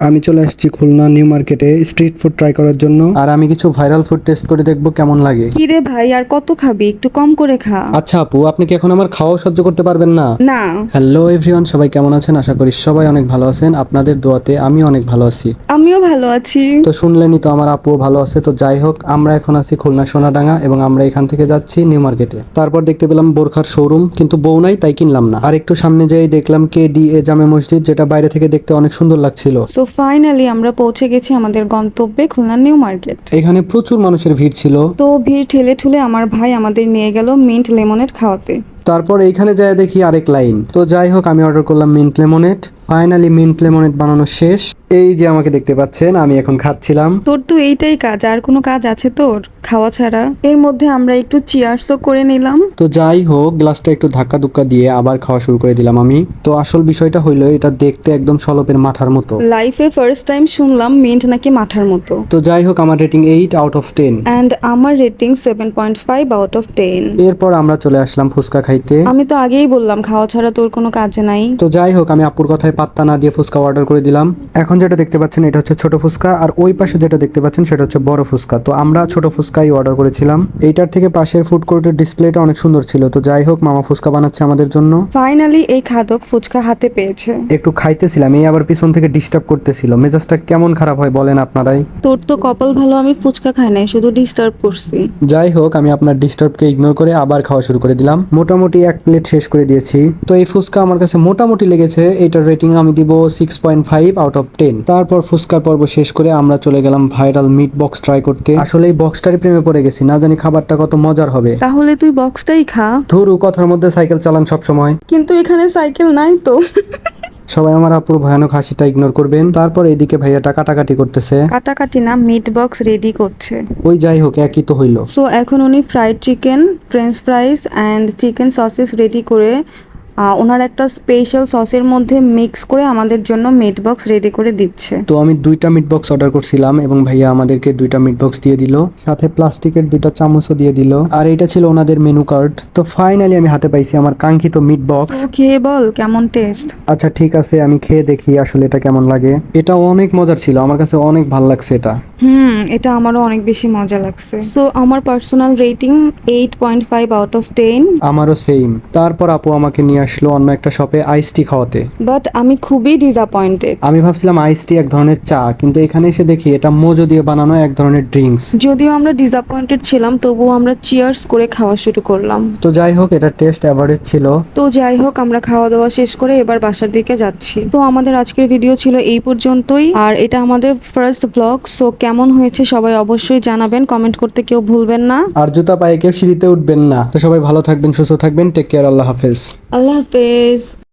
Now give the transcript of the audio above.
আমি চলে আসছি Khulna new market street food try করার জন্য। আর আমি কিছু ভাইরাল ফুড টেস্ট করে দেখবো কেমন লাগে। কি রে ভাই, আর কত খাবি? একটু কম করে খা। আচ্ছা আপু, আপনি কি এখন আমার খাওয়া সহ্য করতে পারবেন না? না। হ্যালো এভরিওয়ান, সবাই কেমন আছেন? আশা করি সবাই অনেক ভালো আছেন। আপনাদের দোয়াতে আমি অনেক ভালো আছি। আমিও ভালো আছি। তো শুনলেনই তো, আমার আপুও ভালো আছে। তো যাই হোক, আমরা এখন আছি খুলনা সোনাডাঙ্গা এবং আমরা এখান থেকে যাচ্ছি নিউ মার্কেটে। তারপর দেখতে পেলাম বোরখার শোরুম, কিন্তু বউ নাই তাই কিনলাম না। আর একটু সামনে যেয়ে দেখলাম KDA জামে মসজিদ, যেটা বাইরে থেকে দেখতে অনেক সুন্দর লাগছিল। সো ফাইনালি আমরা পৌঁছে গেছি আমাদের গন্তব্যে, খুলনা নিউ মার্কেট। এখানে প্রচুর মানুষের ভিড় ছিল। তো ভিড় ঠেলে ঠুলে আমার ভাই আমাদের নিয়ে গেল মিন্ট লেমনেড খাওয়াতে। তারপর এইখানে যায় দেখি আরেক লাইন। তো যাই হোক, আমি অর্ডার করলাম mint lemonade. Finally mint lemonade বানানো শেষ। এই যে আমাকে দেখতে পাচ্ছেন, আমি এখন খাচ্ছিলাম। তোর তো এইটাই কাজ, আর কোনো কাজ আছে তোর খাওয়া ছাড়া? এর মধ্যে আমরা একটু চিয়ার্সও করে নিলাম। তো যাই হোক, গ্লাসটা একটু ধাক্কা ধুক্কা দিয়ে আবার খাওয়া শুরু করে দিলাম আমি। তো আসল বিষয়টা হইলো, এটা দেখতে একদম সলপের মাথার মতো। লাইফে ফার্স্ট টাইম শুনলাম মিন্ট নাকি মাঠার মতো। তো যাই হোক, আমার রেটিং 8/10। অ্যান্ড আমার রেটিং 7.5/10। এরপর আমরা চলে আসলাম ফুচকা খাইতে। আমি তো আগেই বললাম খাওয়া ছাড়া তোর কোনো কাজ নাই। তো যাই হোক, আমি আপুর কথায় পাত্তা না দিয়ে ফুচকা অর্ডার করে দিলাম। এখন যেটা দেখতে পাচ্ছেন এটা হচ্ছে ছোট ফুচকা, আর ওই পাশে যেটা দেখতে পাচ্ছেন সেটা হচ্ছে বড় ফুচকা। তো আমরা ছোট ফুচকাই অর্ডার করেছিলাম। এইটার থেকে পাশের ফুড কোর্টের ডিসপ্লেটা অনেক সুন্দর ছিল। তো যাই হোক, মামা ফুচকা বানাচ্ছে আমাদের জন্য। ফাইনালি এই খাদক ফুচকা হাতে পেয়েছে। একটু খাইতেছিলাম, এই আবার পিছন থেকে ডিস্টার্ব করতেছিল। মেজাজটা কেমন খারাপ হয় বলেন আপনারাই। তোর তো কপাল ভালো, আমি ফুচকা খাই নাই, শুধু ডিস্টার্ব করছি। যাই হোক, আমি আপনার ডিস্টার্বকে ইগনোর করে আবার খাওয়া শুরু করে দিলাম। মোটামুটি 1 প্লেট শেষ করে দিয়েছি। তো এই ফুচকা আমার কাছে মোটামুটি লেগেছে। এটার রেটিং আমি দিব 6.5/10। তারপর ফুচকার পর্ব শেষ করে আমরা চলে গেলাম ভাইরাল মিট বক্স ট্রাই করতে। আসলে এই বক্সটারই প্রেমে পড়ে গেছি, না জানি খাবারটা কত মজার হবে। তাহলে তুই বক্সটাই খা। ধুরু, কথার মধ্যে সাইকেল চালান সব সময়। কিন্তু এখানে সাইকেল নাই তো। সবাই আমার আপুর ভয়ানক হাসিটা ইগনোর করবেন। তারপর এদিকে ভাইয়াটা কাটাকাটি করতেছে। কাটাকাটি না, মিট বক্স রেডি করছে। ওই যাই হোক, একই তো হইলো। সো এখন উনি fried chicken, French fries and chicken sauces ready করে ওনার একটা স্পেশাল সসের মধ্যে মিক্স করে আমাদের জন্য মিট বক্স রেডি করে দিচ্ছে। তো আমি 2টা মিট বক্স অর্ডার করছিলাম এবং ভাইয়া আমাদেরকে 2টা মিট বক্স দিয়ে দিল, সাথে প্লাস্টিকের 2টা চামচও দিয়ে দিল। আর এটা ছিল ওনাদের মেনু কার্ড। তো ফাইনালি আমি হাতে পাইছি আমার কাঙ্ক্ষিত মিট বক্স। তো খেয়ে বল কেমন টেস্ট। আচ্ছা ঠিক আছে, আমি খেয়ে দেখি আসলে এটা কেমন লাগে। এটা অনেক মজার ছিল, আমার কাছে অনেক ভালো লাগছে এটা। এটা আমারও অনেক বেশি মজা লাগছে। সো আমার পার্সোনাল রেটিং 8.5/10। আমারও সেম। তারপর আপু আমাকে নিয়ে আসলো অন্য একটা শপে আইস টি খাওয়াতে। বাট আমি খুবই ডিসঅ্যাপয়েন্টেড। আমি ভাবছিলাম আইস টি এক ধরনের চা, কিন্তু এখানে এসে দেখি এটা মোজো দিয়ে বানানো এক ধরনের ড্রিঙ্কস। যদিও আমরা ডিসঅ্যাপয়েন্টেড ছিলাম, তবুও আমরা চিয়ার্স করে খাওয়া শুরু করলাম। তো যাই হোক, এটা টেস্ট অ্যাভারেজ ছিল। তো যাই হোক, আমরা খাওয়া দাওয়া শেষ করে এবার বাসার দিকে যাচ্ছি। তো আমাদের আজকের ভিডিও ছিল এই পর্যন্তই, আর এটা আমাদের ফার্স্ট ব্লগ। সো কেমন হয়েছে সবাই অবশ্যই জানাবেন, কমেন্ট করতে কেউ ভুলবেন না। আর জুতা পায়ে কেউ সিঁড়িতে উঠবেন না। তো সবাই ভালো থাকবেন, সুস্থ থাকবেন। Take care. আল্লাহ হাফেজ। আল্লাহ হাফেজ।